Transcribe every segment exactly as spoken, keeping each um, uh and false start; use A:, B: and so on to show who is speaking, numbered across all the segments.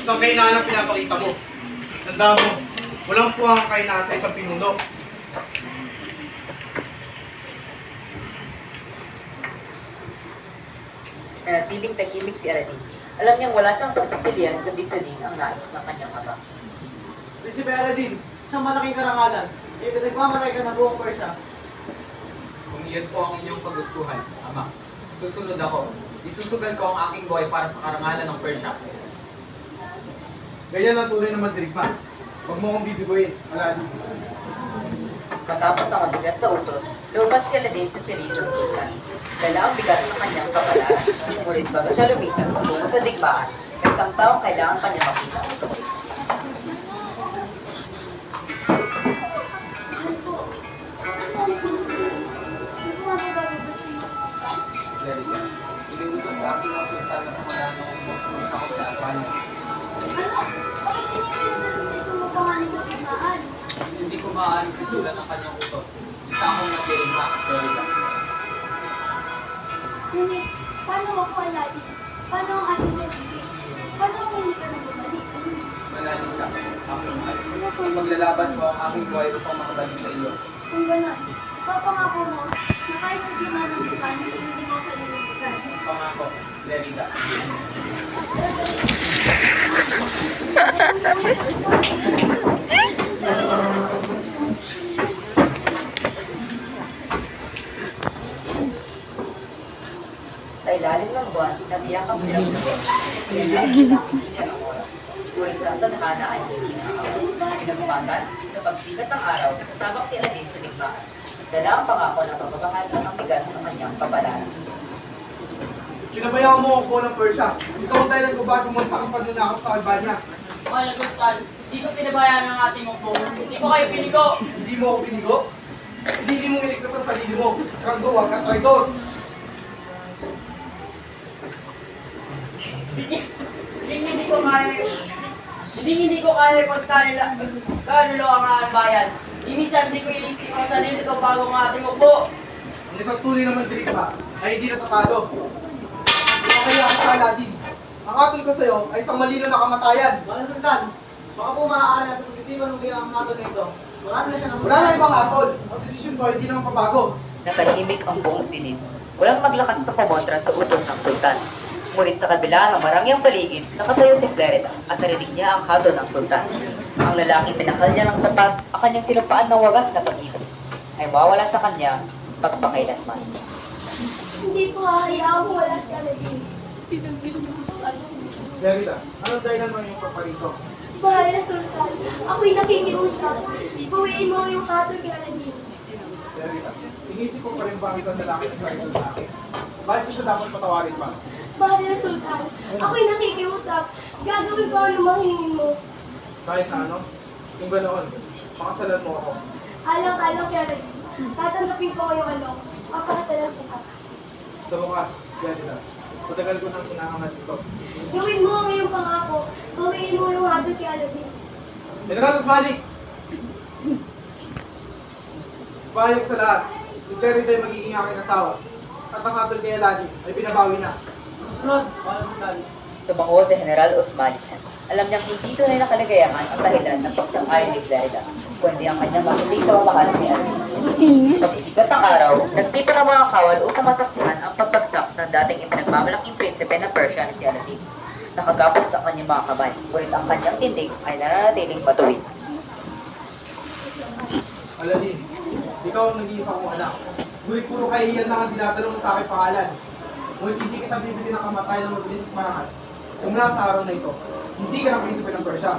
A: Isang kahinaan ang pinapakita mo. Tanda mo, walang puwang ang kahinaan sa isang pinuno.
B: Nanatiling tahimik si Aladdin. Alam niyang wala siyang pagpipilian kundi sundin ang nais ng kanyang ama.
C: Prinsipe Aladdin, isang malaking karangalan. Eh, pinagmamalay ka na buong Persia.
D: Kung iyon po ang inyong pagustuhan, Ama, susunod ako. Isusugal ko ang aking buhay para sa karangalan ng Persia.
A: Ganyan ang tunay na mandirigma. Huwag mo akong bibiguin, Aladdin.
B: Matapos ang mabigat na utos, lumabas si Aladdin sa silid ng sultan. Dala ang bigat ng kanyang kapalaran. Ngunit bago siya lumisan patungo sa digmaan, may isang taong kailangan kanya makita.
D: Lerika, iniutos sa aking ang sultan na kumalaan ng sakot sa Albania.
E: Ano? Bakit hindi kayo nagdala sa isang mapangalan na tigmaan?
D: Hindi ko maaari pitulan ang kanyang utos. Isa akong nagdirigma, Lerika.
E: Ngunit, paano ako, Aladdin? Paano ang ating nabibig? Paano kung hindi ka nang bumalik?
D: Manalig ka, aking mahal. Maglalaban ko ang aking buhay upang makabalik sa iyo.
E: Kung gano'n, papangako mo na kahit sa gitna ng bukan, hindi mo kalilimutan.
D: Pangako, Lerika.
B: Sa ilalim ng buwan, nagiyakap silang dalawa. Pinag-iinit ang oras. Ngunit sa tadhana ay hindi nakakawin. Kinabukasan, sa pagsikat ng araw, kasabak si Aladdin sa digmaan. Dala ang pangako ng pagbabahal at ang bigat ng kanyang kapalaran.
A: Pinabayaan mo ang buo ng Persia. Ikaw ang dahilan kung bakit bumansak ang pagnanakap sa Albania.
F: Mahal na Sultan, hindi ko pinabayaan ang ating ukbong. Hindi ko kayo pinigo.
A: Hindi mo ako pinigo. Hindi mo iligtas ang sarili mo. Sa kando, huwag kang traidor.
F: Hindi, hindi, hindi ko kaya, hindi, hindi ko kaya pagkanila, kanulo ang aking bayan. Imisan, hindi ko ilisip ang sarili ko bago ang ating ukbo.
A: Ang isang tunay na mandirigma ay hindi natatalo. Ikaw kaya ang Aladdin. Ang atol ko sa'yo ay isang malino na kamatayan.
C: Mga Sultan, baka po maaari natin pag-isipan ng bigyan ang mato na ito. Marami na siya ng
A: Wala na ibang atol. Ang desisyon ko hindi naman pabago.
B: Nakahimik ang buong silid. Walang maglakas na kumontra sa utos ng sultan. Ngunit sa kabila ng marangyang paligid, nakatayo si Clarita at narinig niya ang hado ng sultan. Ang lalaking pinakal niya ng tapat ang kanyang sinumpaan ng wagas na pag-ibig ay mawala sa kanya pagpakailanman.
E: Hindi ko hahayaan kung wala si Aladdin.
A: Lerida, anong dahilan mo yung paparito?
E: Mahal na Sultan, ako'y nakikiusap. Bawiin mo yung hatol kay Aladdin.
A: Lerida, inisip ko pa rin ba ang isang lalaki na idol sa akin? Bakit ko siya dapat patawarin pa?
E: Mahal na Sultan, ako'y nakikiusap. Gagawin ko ang lumahingin mo.
A: Kahit na ano? Kung ganoon, pakasalan mo ako.
E: Alang-alang kay Aladdin. Tatanggapin ko ngayong alok. Papakasalan kita.
A: Sa bukas, Lerida, matagal ko nang kinakamat ito.
E: Gawin mo ang iyong pangako. Bawiin mo yung hatol kay Aladdin.
A: General Osmalik! Pahayag sa lahat, si Lerida ay magiging aking asawa. At ang hatol kay Aladdin ay binabawi na.
C: Sunod, mga Sultan.
B: Tumango si General Osman. Alam niyang hindi tunay na kaligayahan ang dahilan ng pagsang-ayon ni Clarida, kundi ang kanyang makiling pamamahalan ni Aladdin. Pag-isikat ng araw, nagpipa ng mga kawal upang masaksihan ang pagbagsak ng dating ipinagmamalaking prinsipe ng Persia na si Aladdin. Nakagapos sa kanyang mga kamay, ngunit ang kanyang tindig ay nananatiling matuwid.
A: Aladdin, ikaw ang nag-iisa kong anak. Ngunit puro kahihiyan lang ang dinatanong mo sa aking pangalan. Ngunit hindi kita bibigyan ng kamatay ng mabilis at marahat. Simula sa araw na ito, hindi ka na prinsipe ng Persia.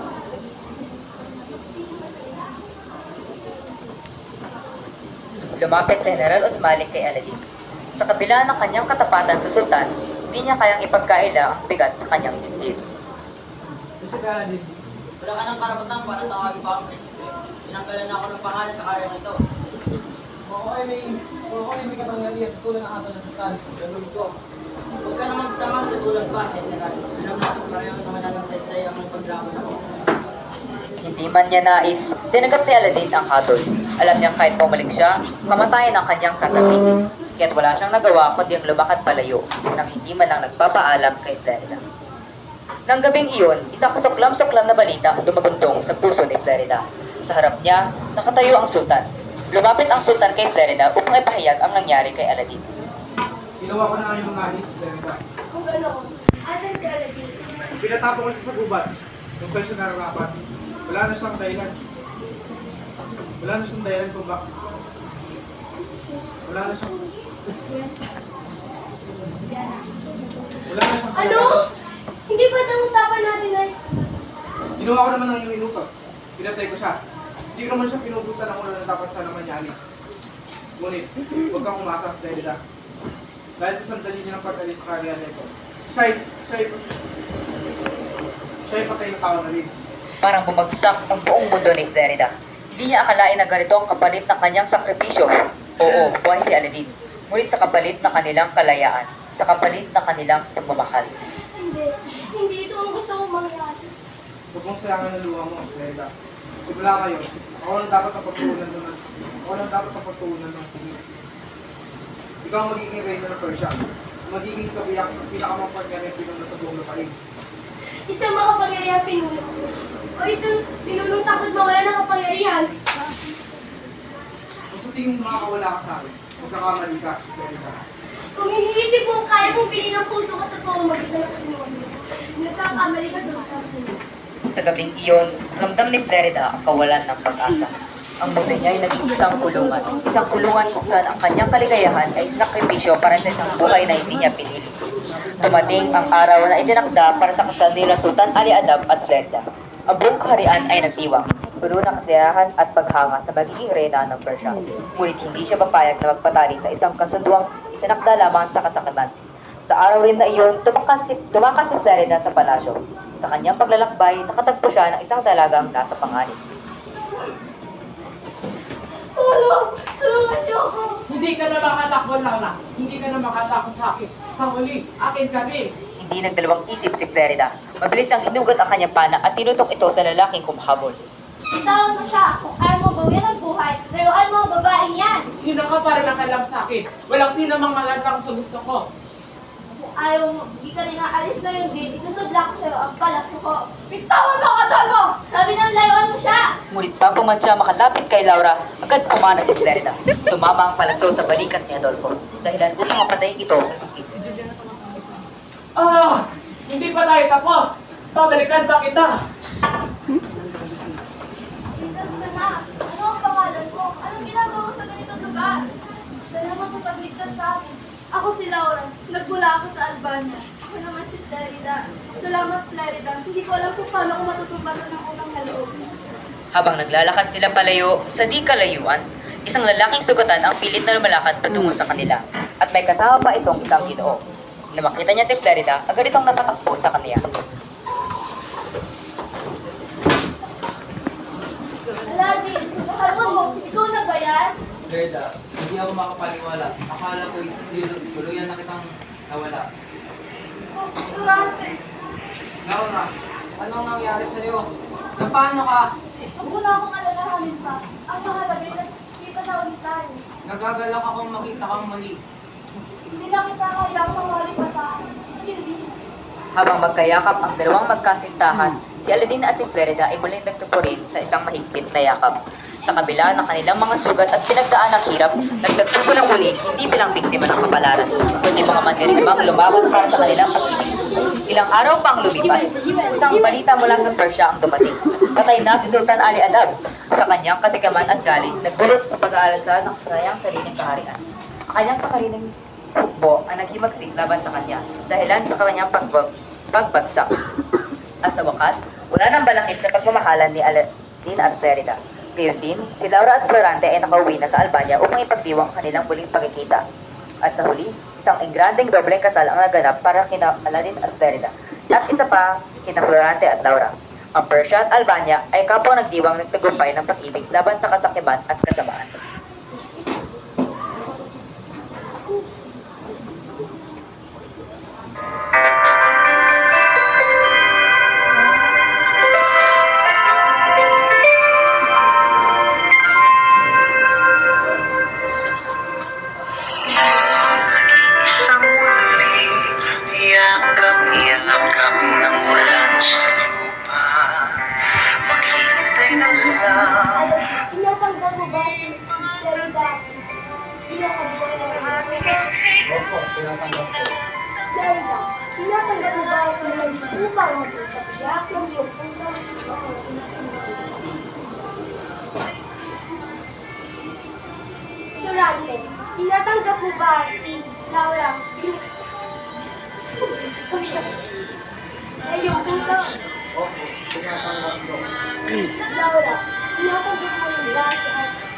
B: Lumapit si General Osmalik kay Aladdin. Sa kabila ng kanyang katapatan sa sultan, hindi niya kayang ipagkaila ang bigat sa kanyang dibdib.
C: Prinsipe Aladdin.
F: Wala ka ng karapatan para tawagin pa ang prinsipe. Tinanggalan na ako ng pangalan sa karyang ito.
C: Kung ako ay may, kung ako ay may kapangyarihan tulad ng ato ng Sultan, gagawin ko.
F: Huwag ka naman tamang tutulad pa, General. Alam natin pareho naman ang saysay ang pagdamot ako.
B: Hindi man niya nais, tinanggap ni Aladdin ang hatol. Alam niyang kahit pumalik siya, mamatayan ang kanyang sasabihin. Kaya't wala siyang nagawa kundi ang lumakad palayo, nang hindi man lang nagpapaalam kay Clarida. Nang gabing iyon, isang kasuklam-suklam na balita ang dumagundong sa puso ni Florida. Sa harap niya, nakatayo ang sultan. Lumapit ang sultan kay Florida upang ipahayag ang nangyari kay Aladdin.
A: Ginawa ko na nga yung nangis, Florida.
E: Kung ganoon, asan si Aladdin?
A: Pinatapon ko siya sa gubat. Kung saan siya nararapat. Wala na siyang dahilan. Wala na siyang dahilan kung bakit. Wala na siyang... Wala na siyang...
E: Ano? Hindi ba ang usapan natin ay...
A: Ginawa ko naman ng iyong inutos. Pinatay ko siya. Hindi ko naman siya pinuputan ng una na dapat sana manyari. Ngunit, huwag kang umasa, Florida. Dahil sa sandali niya ng pag-alis sa karya nito. Siya ay... Siya ay... Siya ay patay na tao na rin.
B: Parang bumagsak ang buong mundo ni Florida. Hindi niya akalain na ganito ang kapalit ng kanyang sakripisyo. Oo, buhay si Aladdin. Ngunit sa kapalit ng kanilang kalayaan, sa kapalit ng kanilang pagmamahal.
E: Hindi. Hindi ito ang gusto kong mangyari.
A: Huwag mong sayangan ng luha mo, Florida. Simula ngayon, ako lang dapat ang pagtuunan ng... Ako lang dapat ang pagtuunan ng tingin. Ikaw ang magiging reyna ng Persia. Magiging kabiyak ng pinakamapagyanang pinuno sa buong lupain.
E: Isang makapangyarihan pinuno. O isang pinunong takot mawala ng kapangyarihan.
A: Kung sa tingin mo makakawala ka sa akin, magkakamali ka, Florida.
E: Kung iniisip mo kaya mong piliin ang puso ka sa pamamagitan ng kasinungalingan, nagkakamali ka sa makakapin.
B: Sa gabing iyon, ramdam ni Florida ang kawalan ng pag-asa. Ang mundo niya ay naging isang kulungan. Isang kulungan kung saan ang kanyang kaligayahan ay sinakripisyo para sa isang buhay na hindi niya pinili. Dumating ang araw na itinakda para sa kasal nila Sultan Ali Adab at Florida. Ang buong kaharian ay nagtiwang, puno ng kasiyahan at paghanga sa magiging reyna ng Persia. Ngunit hindi siya papayag na magpatali sa isang kasunduang itinakda lamang sa kasakiman. Sa araw rin na iyon, tumakas si, tumakas si Florida sa palasyo. Sa kanyang paglalakbay, nakatagpo siya ng isang dalagang nasa panganib.
E: Tulong! Tulungan niyo ako!
C: Hindi ka na makatakbo, Laura. Hindi ka na makatakbo sa akin. Sa huli, akin ka rin.
B: Hindi nagdalawang isip si Florida. Mabilis ang hinugat ang kanyang pana at tinutok ito sa lalaking kumhabol.
E: Bitawan mo siya. Kung ayaw mo bawian ang buhay, layuan mo ang babaeng yan.
C: Sino ka para nakalam sa akin? Walang sino mang magadlang sa gusto ko.
E: Kung ayaw mo, di ka rin aalis ngayon din, itutudla ko sa'yo ang palakso ko. Bitawan mo ang katol mo! Sabi ng layuan mo siya!
B: Ngunit bago man siya makalapit kay Laura, agad pumanag si Florida. Tumama ang palagso sa balikat ni Adolfo, dahilan upang mapatayin ito sa sakit.
C: Ah! Hindi pa tayo tapos! Pabalikan pa kita!
E: Ligtas ka na. Ano ang pangalan mo? Anong ginagawa mo sa ganitong lugar? Salamat sa pagligtas sa akin. Ako si Laura. Nagmula ako sa Albania. Ako naman si Florida. Salamat, Florida. Hindi ko alam kung paano ko matutumbasan ng unang haloob.
B: Habang naglalakad sila palayo sa di kalayuan, isang lalaking sugatan ang pilit na lumalakad patungo sa kanila. At may kasama pa itong isang ginoo. Na makita niya si Florida, agad itong natatakbo sa kanya.
E: Aladdin, mahal mo, ikaw na ba yan?
D: Gerda, hindi ako makapaniwala. Akala ko tuluyan na kitang nawala.
E: Oh, Durante.
D: Laura, anong nangyari sa'yo? Na paano ka?
E: Huwag mo na akong alalahanin pa. Ang mahalaga ay nagkita na ulit tayo.
D: Nagagalak akong makita kang mali.
E: Hindi na kita kayang mawali pa sa akin. Hindi.
B: Habang magkayakap ang dalawang magkasintahan, si Aladdin at si Florida ay muling nagtupurin sa isang mahigpit na yakap. Sa kabila ng kanilang mga sugat at pinagdaan ng hirap, nagtagpo ng muli hindi bilang biktima ng kapalaran, kundi mga mandirigmang lumaban para sa kanilang pag-ibig. Ilang araw pang lumipas, isang balita mula sa Persia ang dumating. Patay na si Sultan Ali Adab. Sa kanyang kasikaman at galing, nagbulot sa pag-aalsa ng kanyang sariling kaharian. Ang kanyang sakariling hukbo ang naghimagsik laban sa kanya, dahilan sa kanyang pagbag pagbagsak. At sa wakas, wala nang balakid sa pagmamahalan ni Aladdin at Florida. Gayon din, si Laura at Florante ay nakauwi na sa Albania upang ipagdiwang ang kanilang muling pagkikita. At sa huli, isang engrandeng dobleng kasal ang naganap para kina Aladdin at Florida. At isa pa, kina Florante at Laura. Ang Persia at Albania ay kapwa nagdiwang nagtagumpay ng pag-ibig laban sa kasakiman at kasamaan.
G: Isang muling yakap-yakap ng
D: Opo, tinatanggap ko.
E: Lerida, tinatanggap mo ba ang sinadis upang magpapatiyak ng iyong puso? Oo, tinatanggap ko. Durante, tinatanggap mo ba si Laura? Sa iyong puso?
D: Opo, tinatanggap ko.
E: Laura, tinatanggap mo rin ba si Ate